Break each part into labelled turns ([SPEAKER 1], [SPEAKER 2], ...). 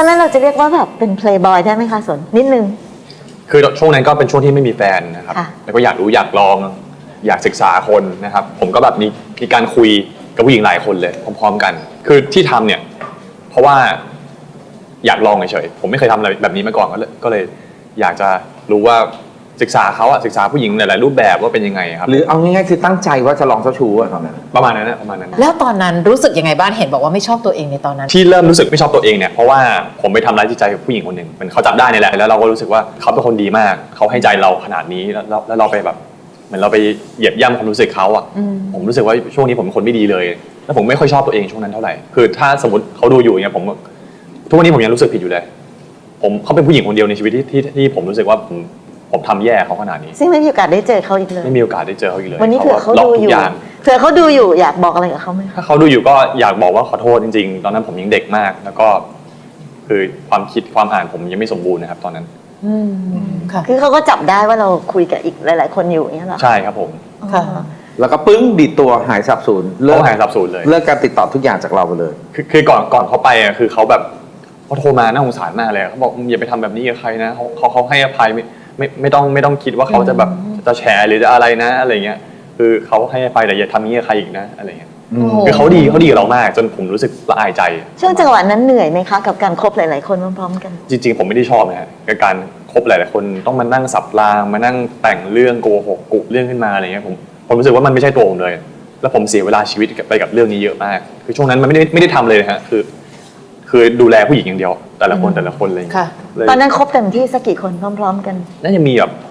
[SPEAKER 1] อนนั้นเราจะเรียกว่าแบบเป็นเพลย์บอยได้ไหมคะสนนิดนึง
[SPEAKER 2] คือช่วงนั้นก็เป็นช่วงที่ไม่มีแฟนนะครับแล้วก็อยากรู้อยากลองอยากศึกษาคนนะครับผมก็แบบมีการคุยกับผู้หญิงหลายคนเลยพร้อมๆกันคือที่ทำเนี่ยเพราะว่าอยากลองเฉยๆผมไม่เคยทำอะไรแบบนี้มาก่อนก็เลยอยากจะรู้ว่าศึกษาเขาศึกษาผู้หญิงหลายๆรูปแบบว่าเป็นยังไงครับ
[SPEAKER 3] หรือเอาง่ายๆคือตั้งใจว่าจะลองเจ้าชู้ตอนนั้น
[SPEAKER 2] ประมาณนั้นนะประมาณนั้น
[SPEAKER 4] แล้วตอนนั้นรู้สึกยังไงบ้างเห็นบอกว่าไม่ชอบตัวเองในตอนนั้น
[SPEAKER 2] ที่เริ่มรู้สึกไม่ชอบตัวเองเนี่ยเพราะว่าผมไปทำร้ายจิตใจกับผู้หญิงคนหนึ่งมันเขาจับได้นี่แหละแล้วเราก็รู้สึกว่าเขาเป็นคนดีมากเขาให้ใจเราขนาดนี้แล้วเราไปแบบเหมือนเราไปเหยียบย่ำความรู้สึกเขาผมรู้สึกว่าช่วงนี้ผมเป็นคนไม่ดีเลยแล้วผมไม่ค่อยชอบตัวเองช่วงนั้นเท่าไหร่คือถ้าสมมติเขาดูอยู่เนี่ยผมทุกวันนี้ผมยังรู้สึกผิดอยู่เลยเขาเป็นผู้หญิงคนเดียวในชีวิตที่ผมรู้สึกว่าผมทำแย่เขาขนาดนี้
[SPEAKER 1] ซึ่งไม่มีโอกาสได้เจอเขาอีกเลย
[SPEAKER 2] ไม่มีโอกาสได้เจอเขาอีกเลย
[SPEAKER 1] วันนี้เผื่อเขาดูอยู่อยากบอกอะไรกับเขาไหม
[SPEAKER 2] ถ้าเขาดูอยู่ก็อยากบอกว่าขอโทษจริงๆตอนนั้นผมยังเด็กมากแล้วก็คือความคิดความอ่านผมยังไม่สมบูรณ์นะครับตอนนั้น
[SPEAKER 1] ค่ะคือเขาก็จับได้ว่าเราคุยกับอีกหลายๆคนอยู่อย่างนี้หรอ
[SPEAKER 2] ใช่ครับผม
[SPEAKER 1] ค่ะ
[SPEAKER 3] แล้วก็ปึ้งดีดตัวหายสับสูญ
[SPEAKER 2] เลิกหายสับสูญเลย
[SPEAKER 3] เลิกการติดต่อทุกอย่างจากเราไปเลย
[SPEAKER 2] คือก่อนเขาไปคือเขาแบบเขาโทรมาน่าสงสารมากเลยเขาบอกอย่าไปทำแบบนี้กับใครนะเขาให้อภัยไม่ต้องคิดว่าเขาจะแบบจะแชร์หรือจะอะไรนะอะไรเงี้ยคือเขาให้อภัยแต่อย่าทำนี้กับใครอีกนะอะไรเงี้ยคือเขาดีกับเรามากจนผมรู้สึกละอายใจ
[SPEAKER 1] ช่วงจังหวะนั้นเหนื่อยไหมคะกับการคบหลายๆคนพร้อมๆกัน
[SPEAKER 2] จริงๆผมไม่ได้ชอบนะฮะกับการคบหลายๆคนต้องมานั่งสับรางมานั่งแต่งเรื่องโกหกกุเรื่องขึ้นมาอะไรเงี้ยผมรู้สึกว่ามันไม่ใช่ตัวผมเลยแล้วผมเสียเวลาชีวิตไปกับเรื่องนี้เยอะมากคือช่วงนั้นมันไม่ได้ทำเลยฮะคือดูแลผู้หญิงอย่างเดียวแต่ละคนเลย
[SPEAKER 1] ตอนนั้นคบเต็มที่สักกี่คนพร้อมๆกัน
[SPEAKER 2] น่าจะมีแบบ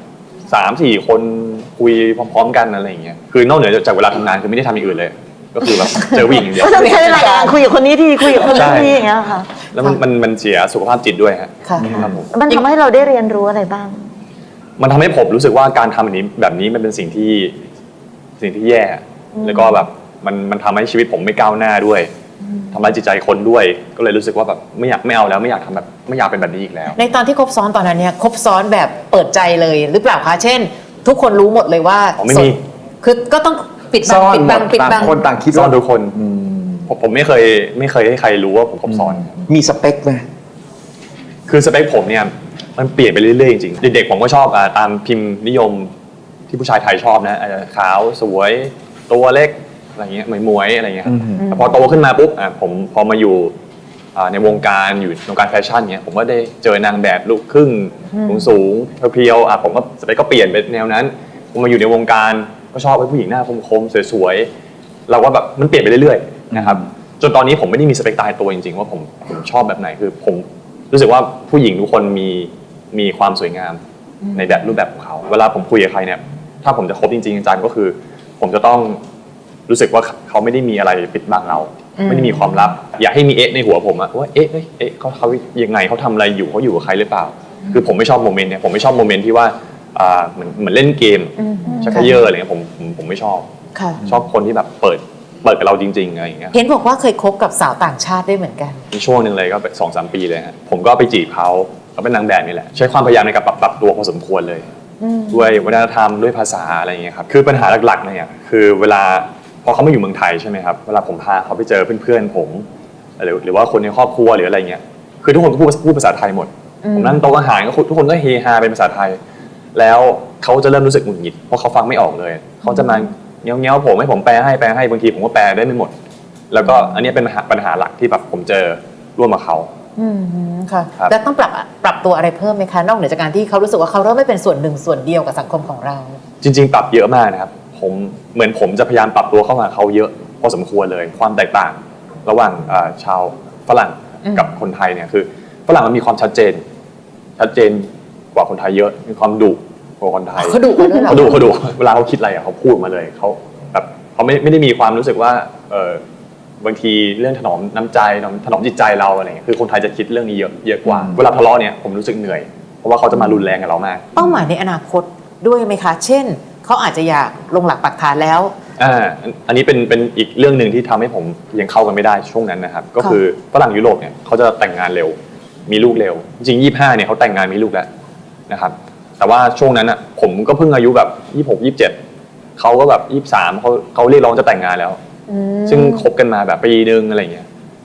[SPEAKER 2] 3-4 คนคุยพร้อมๆกันอะไรอย่างเงี้ยคือนอกเหนือจากเวลาทำงานคือไม่ได้ทำอย่างอื่นเลยก็คือแบบเจอผู้หญิงอย่างเดียว
[SPEAKER 1] ก็ต้องใช้เวลาคุยกับคนนี้ทีคุยกับคนนี้ทีอย่างเงี้ยค่ะ
[SPEAKER 2] แล้วมันเสียสุขภาพจิตด้วยฮะ
[SPEAKER 1] มันทำให้เราได้เรียนรู้อะไรบ้าง
[SPEAKER 2] มันทำให้ผมรู้สึกว่าการทำแบบนี้มันเป็นสิ่งที่แย่แล้วก็แบบมันทำให้ชีวิตผมไม่ก้าวหน้าด้วยทำร้ายจิตใจคนด้วยก็เลยรู้สึกว่าแบบไม่เอาแล้วไม่อยากทำแบบไม่อยากเป็นแบบนี้อีกแล้ว
[SPEAKER 4] ในตอนที่คบซ้อนตอนนั้นเนี่ยคบซ้อนแบบเปิดใจเลยหรือเปล่าคะเช่นทุกคนรู้หมดเลยว่า
[SPEAKER 2] ไม่มี
[SPEAKER 4] คือก็ต้องปิดบัง
[SPEAKER 3] คนต่างคิด
[SPEAKER 2] ซ่อนทุกคนผมไม่เคยให้ใครรู้ว่าผมคบซ้อน
[SPEAKER 3] มีสเปคไหม
[SPEAKER 2] คือสเปคผมเนี่ยมันเปลี่ยนไปเรื่อยๆจริงๆเด็กๆผมก็ชอบตามพิมพ์นิยมที่ผู้ชายไทยชอบนะขาวสวยตัวเล็กอะไรเงี้ยหมวยอะไรเงี้ยแต่พอโตขึ้นมาปุ๊บผมพอมาอยู่ในวงการอยู่วงการแฟชั่นเนี่ยผมก็ได้เจอนางแบบลูกครึ่งสูงเพียวๆผมก็สเปคก็เปลี่ยนไปแนวนั้นผมมาอยู่ในวงการก็ชอบผู้หญิงหน้าคมๆสวยๆเราก็แบบมันเปลี่ยนไปเรื่อยๆนะครับจนตอนนี้ผมไม่ได้มีสเปคตายตัวจริงๆว่าผมชอบแบบไหนคือผมรู้สึกว่าผู้หญิงทุกคนมีความสวยงามในแบบรูปแบบของเขาเวลาผมคุยกับใครเนี่ยถ้าผมจะคบจริงๆจังก็คือผมจะต้องรู้สึกว่าเขาไม่ได้มีอะไรปิดบังเราไม่ได้มีความลับอย่าให้มีในหัวผมว่าเขายังไงเขาทำอะไรอยู่เขาอยู่กับใครหรือเปล่าคือผมไม่ชอบโมเมนต์เนี่ยผมไม่ชอบโมเมนต์ที่ว่าเหมือนเล่นเกมชักเยอะอะไรเงี้ยผมไม่ชอบชอบคนที่แบบเปิดกับเราจริงๆอะไรอย่างเงี้ย
[SPEAKER 4] เห็นบอกว่าเคยคบกับสาวต่างชาติได้เหมือนกัน
[SPEAKER 2] ในช่วงนึงเลยก็2-3 ปีเลยฮะผมก็ไปจีบเขาเป็นนางแบบนี่แหละใช้ความพยายามในการปรับตัวพอสมควรเลยด้วยวัฒนธรรมด้วยภาษาอะไรอย่างเงี้ยครับคือปัญหาหลักๆเนี่ยคือเวลาพอเขามาอยู่เมืองไทยใช่ไหมครับเวลาผมพาเขาไปเจอเพื่อนๆผมหรือว่าคนในครอบครัวหรืออะไรเงี้ยคือทุกคนก็พูดภาษาไทยหมดผมนั่งโต๊ะอาหารก็ทุกคนก็เฮฮาเป็นภาษาไทยแล้วเขาจะเริ่มรู้สึกหงุดหงิดเพราะเขาฟังไม่ออกเลยเขาจะมาเงี้ยวผมให้ผมแปลให้บางทีผมก็แปลได้ไม่หมดแล้วก็อันนี้เป็นปัญหาหลักที่แบบผมเจอร่วมกับเขา
[SPEAKER 4] ค่ะแล้วต้องปรับตัวอะไรเพิ่มไหมคะนอกเหนือจากการที่เขารู้สึกว่าเขาเริ่มไม่เป็นส่วนหนึ่งส่วนเดียวกับสังคมของเรา
[SPEAKER 2] จริงๆปรับเยอะมากนะครับผมจะพยายามปรับตัวเข้ามาเขาเยอะพอสมควรเลยความแตกต่างระหว่างชาวฝรั่งกับคนไทยเนี่ยคือฝรั่งมันมีความชัดเจนกว่าคนไทยเยอะมีความดุกว่าคนไทย
[SPEAKER 4] เขาดุด้วยเหรอ
[SPEAKER 2] เขาดุเวลาเขาคิดอะไรเขาพูดมาเลยเขาแบบเขาไม่ได้มีความรู้สึกว่าบางทีเรื่องถนอมน้ำใจถนอมจิตใจเราอะไรเงี้ยคือคนไทยจะคิดเรื่องนี้เยอะกว่าเวลาทะเลาะเนี่ยผมรู้สึกเหนื่อยเพราะว่าเขาจะมารุนแรงกับเรามาก
[SPEAKER 4] เป้าหมายในอนาคตด้วยไหมคะเช่นเขาอาจจะอยากลงหลักปักฐานแล้ว
[SPEAKER 2] อันนี้เป็นอีกเรื่องหนึ่งที่ทำให้ผมยังเข้ากันไม่ได้ช่วงนั้นนะครับก็คือฝรั่งยุโรปเนี่ยเขาจะแต่งงานเร็วมีลูกเร็วจริง25เนี่ยเขาแต่งงานมีลูกแล้วนะครับแต่ว่าช่วงนั้นอ่ะผมก็เพิ่งอายุแบบ26-27เขาก็แบบ23เขาเรียกร้องจะแต่งงานแล้วซึ่งคบกันมาแบบปีนึงอะไรเงี้ย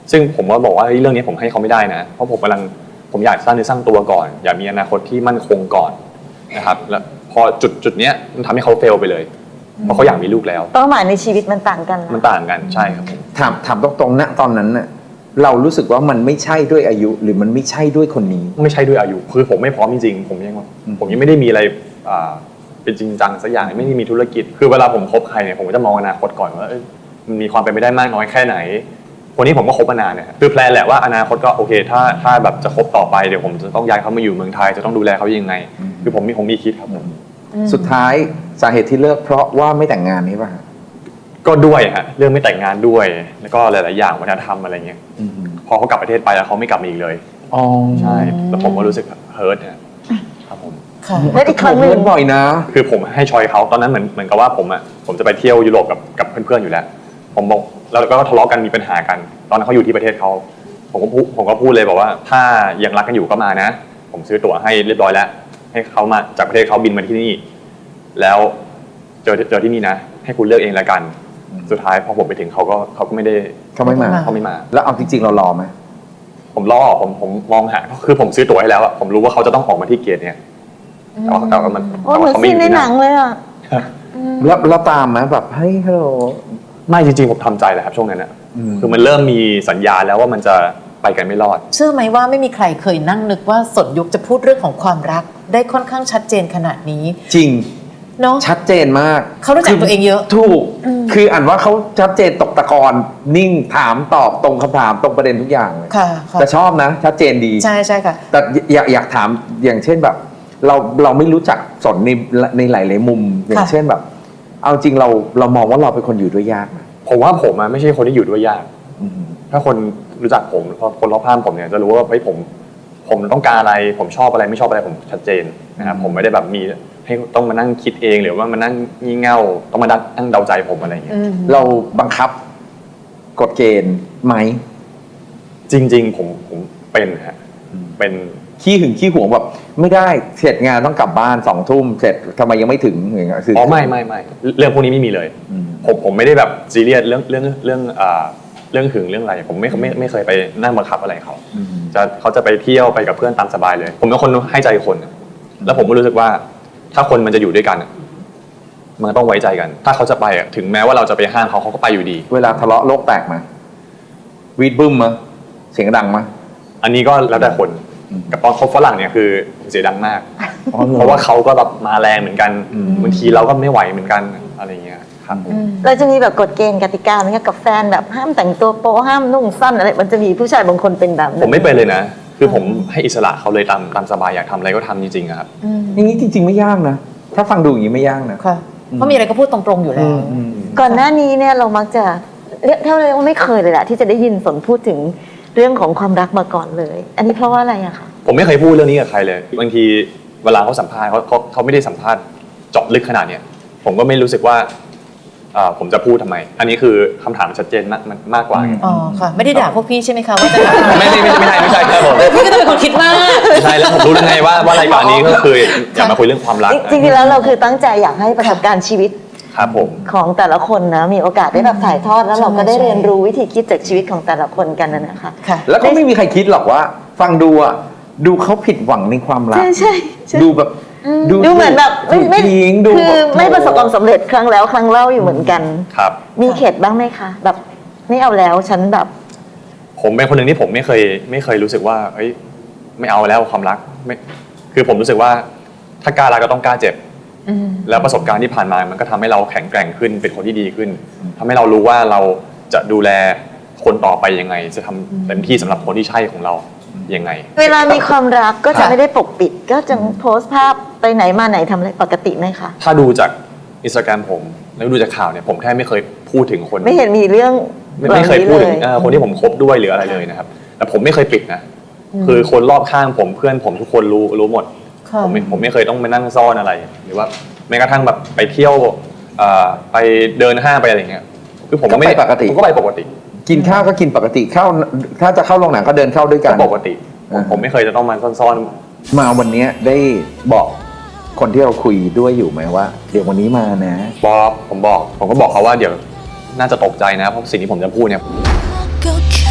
[SPEAKER 2] ซึ่งผมก็บอกว่าเฮ้ยเรื่องนี้ผมให้เขาไม่ได้นะเพราะผมอยากสร้างเนื้อสร้างตัวก่อนอยากมีอนาคตที่มั่นคงก่อนนะครับแล้วพอจุดเนี้ยมันทำให้เขาเฟลไปเลยเพราะเขาอยากมีลูกแล้ว
[SPEAKER 1] เป้าหมายในชีวิตมันต่างกัน
[SPEAKER 2] มันต่างกันใช่ครับผม
[SPEAKER 3] ถามตรงๆนะตอนนั้นน่ะเรารู้สึกว่ามันไม่ใช่ด้วยอายุหรือมันไม่ใช่ด้วยคนนี้
[SPEAKER 2] ไม่ใช่ด้วยอายุคือผมไม่พร้อมจริงๆผมยังไม่ได้มีอะไรเป็นจริงจังสักอย่างไม่ได้มีธุรกิจคือเวลาผมคบใครเนี่ยผมก็จะมองอนาคตก่อนว่ามันมีความเป็นไปได้มากน้อยแค่ไหนคนนี้ผมก็คบมานานเนี่ยคือแพลนแหละว่าอนาคตก็โอเคถ้าแบบจะคบต่อไปเดี๋ยวผมจะต้องย้ายเขามาอยู่เมืองไทยจะต้องดูแลเขายังไงคือผมมีคิดครับผม
[SPEAKER 3] สุดท้ายสาเหตุที่เลิกเพราะว่าไม่แต่งงานนี่ป่ะ
[SPEAKER 2] ก็ด้วยฮะเรื่องไม่แต่งงานด้วยแล้วก็หลายๆอย่างวัฒนธรรมอะไรเงี้ยพอเขากลับประเทศไปแล้วเขาไม่กลับมาอีกเลย
[SPEAKER 3] อ๋อ
[SPEAKER 2] ใช่แล้วผมก็รู้สึกเฮิร์ตนะครับผม
[SPEAKER 4] ค่ะ
[SPEAKER 1] และอีกครั้งหนึ่ง
[SPEAKER 3] เพื่อนบ่อยนะ
[SPEAKER 2] คือผมให้ชอยเขาตอนนั้นเหมือนกับว่าผมจะไปเที่ยวยุโรปกับเพื่อนๆอยู่แล้วผมบอกแล้วก็ทะเลาะกันมีปัญหากัน ตอนนั้นเขาอยู่ที่ประเทศเขาผมก็พูดเลยบอกว่าถ้ายังรักกันอยู่ก็มานะผมซื้อตั๋วให้เรียบร้อยแล้วให้เขามาจากประเทศเขาบินมาที่นี่แล้วเจอที่นี่นะให้คุณเลือกเองละกันสุดท้ายพอผมไปถึงเขาก็ไม่ได้
[SPEAKER 3] เขาไม่มา
[SPEAKER 2] เขาไม่มา
[SPEAKER 3] แล้วเอาจริงๆเรารอไหม
[SPEAKER 2] ผมรอผมมองหาคือผมซื้อตั๋วให้แล้วอะผมรู้ว่าเขาจะต้องออกมาที่เกียรติเนี่ยแต่ว่ามัน
[SPEAKER 1] โอ้เหมือนซีนในหนังเลยอ่ะ
[SPEAKER 3] แล้วตามไหมแบบเฮ้ยฮัลโหล
[SPEAKER 2] ไม่จริงๆผมทำใจแหละครับช่วงนั้นอะ คือมันเริ่มมีสัญญาณแล้วว่ามันจะไปกันไม่รอด
[SPEAKER 4] เชื่อไหมว่าไม่มีใครเคยนั่งนึกว่าสนยุคจะพูดเรื่องของความรักได้ค่อนข้างชัดเจนขนาดนี้
[SPEAKER 3] จริง
[SPEAKER 4] เนาะ
[SPEAKER 3] ชัดเจนมาก
[SPEAKER 4] เขารู้จักตัวเองเยอะ
[SPEAKER 3] ถูก คืออ่านว่าเขาชัดเจนตกตะกอนนิ่งถามตอบตรงคำถามตรงประเด็นทุกอย่างเลย
[SPEAKER 4] ค่ะค่ะ
[SPEAKER 3] แต่ชอบนะ ชัดเจนดี
[SPEAKER 4] ใช่ใช่ค่ะ
[SPEAKER 3] แต่อยากถามอย่างเช่นแบบ เราไม่รู้จักสนในหลายๆมุม อย่างเช่นแบบ เอาจริงเรามองว่าเราเป็นคนอยู่ด้วยยากนะ
[SPEAKER 2] ผมว่าผมไม่ใช่คนที่อยู่ด้วยยาก ถ้าคนรู้จักผมคนรอบข้างผมเนี่ยจะรู้ว่าเฮ้ยผมต้องการอะไรผมชอบอะไรไม่ชอบอะไรผมชัดเจนนะครับผมไม่ได้แบบมีให้ต้องมานั่งคิดเองหรือว่ามานั่งงี่เง่าต้องมานั่งเดาใจผมอะไรอย่างเงี้ย
[SPEAKER 3] เราบังคับกฎเกณฑ์ไหม
[SPEAKER 2] จริงๆผมเป็นฮะเป็น
[SPEAKER 3] ขี้หึงขี้หวงแบบไม่ได้เสร็จงานต้องกลับบ้าน2 ทุ่มเสร็จทำไมยังไม่ถึงอย่างเงี้ยคือ
[SPEAKER 2] อ๋อไม่เรื่องพวกนี้ไม่มีเลย ผมไม่ได้แบบซีเรียสเรื่องหึงเรื่องอะไรผมไม่เคยไปนั่งบังคับอะไรเขาจะไปเที่ยวไปกับเพื่อนตามสบายเลย ผมเป็นคนให้ใจคนแล้วผมก็รู้สึกว่าถ้าคนมันจะอยู่ด้วยกันมันต้องไว้ใจกัน ถ้าเขาจะไปถึงแม้ว่าเราจะไปห้ามเขาก็ไปอยู่ดี
[SPEAKER 3] เวลาทะเลาะโลกแตกมาวีดบึ้มมาเสียงดังมา
[SPEAKER 2] อันนี้ก็แล้วแต่คนกับตอนคบฝรั่งเนี่ยคือเสียงดังมาก
[SPEAKER 3] อ๋อเหรอ
[SPEAKER 2] เพราะว่าเขาก็แบบมาแรงเหมือนกันบางทีเราก็ไม่ไหวเหมือนกันอะไรอย่างเงี้ยครับผม
[SPEAKER 1] เราจะมีแบบกฎเกณฑ์กติกาไหมคะกับแฟนแบบห้ามแต่งตัวโป๊ห้ามนุ่งสั้นอะไรมันจะมีผู้ชายบางคนเป็นแบบนั้น
[SPEAKER 2] ผมไม่เป็นเลยนะ คือผมให้อิสระเขาเลยตามสบายอยากทำอะไรก็ทำจริงๆอะครับ
[SPEAKER 3] อย่างนี้จริงๆไม่ยากนะ ถ้าฟังดูอย่างนี้ไม่ยากนะ
[SPEAKER 4] ค่ะ เพราะมีอะไรก็พูดตรงๆอยู่แล้ว
[SPEAKER 1] ก่อนหน้านี้เนี่ยเรามักจะเรียกว่าไม่เคยเลยแหละที่จะได้ยินสนพูดถึงเรื่องของความรักมาก่อนเลย อันนี้เพราะว่าอะไรอะคะ
[SPEAKER 2] ผมไม่เคยพูดเรื่องนี้กับใครเลยบางทีเวลาเขาสัมภาษณ์เขาไม่ได้สัมภาษณ์เจาะลึกขนาดเนี้ยผมก็ไม่รู้สึกว่าผมจะพูดทำไม อันนี้คือคำถามชัดเจนมากกว่า
[SPEAKER 4] อ๋อ ค่ะ ไม่ได้ด่าพวกพี่ใช่ไหมคะว่าจะ
[SPEAKER 2] ไม่ใช่ครับผม
[SPEAKER 4] พี่ก็ต้องเป็นคนคิดมาก
[SPEAKER 2] ไม่ใช่แล้วผมรู้ได้ไงว่ารายการนี้ก็คืออยากมาคุยเรื่องความรัก
[SPEAKER 1] จริงๆแล้วเราคือตั้งใจอยากให้ประสบการณ์ชีวิต
[SPEAKER 2] ครับผม
[SPEAKER 1] ของแต่ละคนนะมีโอกาสได้แบบถ่ายทอดแล้วเราก็ได้
[SPEAKER 4] ใช่
[SPEAKER 1] เรียนรู้วิธีคิดจากชีวิตของแต่ละคนกันนะคะ
[SPEAKER 4] ค่ะ
[SPEAKER 3] แล้วก็ไม่มีใครคิดหรอกว่า ฟังดูอ่ะดูเขาผิดหวังในความรัก
[SPEAKER 1] ใช่ใช่
[SPEAKER 3] ดูแบบ
[SPEAKER 1] ดูเหมือนแบบไม่
[SPEAKER 3] ทิ้งดู
[SPEAKER 1] คือ
[SPEAKER 3] แบบ
[SPEAKER 1] ไม่ประสบความสำเร็จครั้งแล้วครั้งเล่าอยู่เหมือนกัน
[SPEAKER 2] ครับ
[SPEAKER 1] มีเข็ดบ้างไหมคะแบบไม่เอาแล้วฉันแบบ
[SPEAKER 2] ผมเป็นคนหนึ่งที่ผมไม่เคยรู้สึกว่าเอ้ยไม่เอาแล้วความรักไม่คือผมรู้สึกว่าถ้ากล้ารักก็ต้องกล้าเจ็บแล้วประสบการณ์ที่ผ่านมามันก็ทำให้เราแข็งแกร่งขึ้นเป็นคนที่ดีขึ้นทำให้เรารู้ว่าเราจะดูแลคนต่อไปยังไง จะทำเต็มที่สำหรับคนที่ใช่ของเรายังไง
[SPEAKER 1] เวลามีความรักก็จะ
[SPEAKER 3] ค่ะ
[SPEAKER 1] ไม่ได้ปกปิด ก็จะโพสต์ภาพไปไหนมาไหนทำอะไรปกติไหมคะ
[SPEAKER 2] ถ้าดูจาก Instagram ผมแล้วดูจากข่าวเนี่ยผมแทบไม่เคยพูดถึงคน
[SPEAKER 1] ไม่เห็นมีเรื่อง
[SPEAKER 2] ไม่เคยพูดถึง
[SPEAKER 1] แบบนี้เลย
[SPEAKER 2] คนที่ผมคบด้วยหรืออะไรเลยนะครับ แต่ผมไม่เคยปิดนะ คือคนรอบข้างผมเพื่อนผมทุกคนรู้หมด
[SPEAKER 4] ค่ะ
[SPEAKER 2] ผมไม่เคยต้องมานั่งซ่อนอะไร หรือว่าแม้กระทั่งแบบไปเที่ยวไปเดินห้างไปอะไรอย่างเงี้ยคือผมก็ไม่
[SPEAKER 3] ก็ไปปกติ
[SPEAKER 2] ผมก็ไปปกติ
[SPEAKER 3] กินข้าวก็กินปกติเข้าถ้าจะเข้าโรงหนังก็เดินเข้าด้วยกั
[SPEAKER 2] ก็
[SPEAKER 3] น
[SPEAKER 2] ปกติผมไม่เคยจะต้องมาซ่อน
[SPEAKER 3] มาวันนี้ได้บอกคนที่เราคุยด้วยอยู่ไหมว่า เดี๋ยววันนี้มานะ
[SPEAKER 2] ผมก็บอกเขาว่าเดี๋ยวน่าจะตกใจนะเพราะสิ่งที่ผมจะพูดเนี่ย
[SPEAKER 5] ก็แค่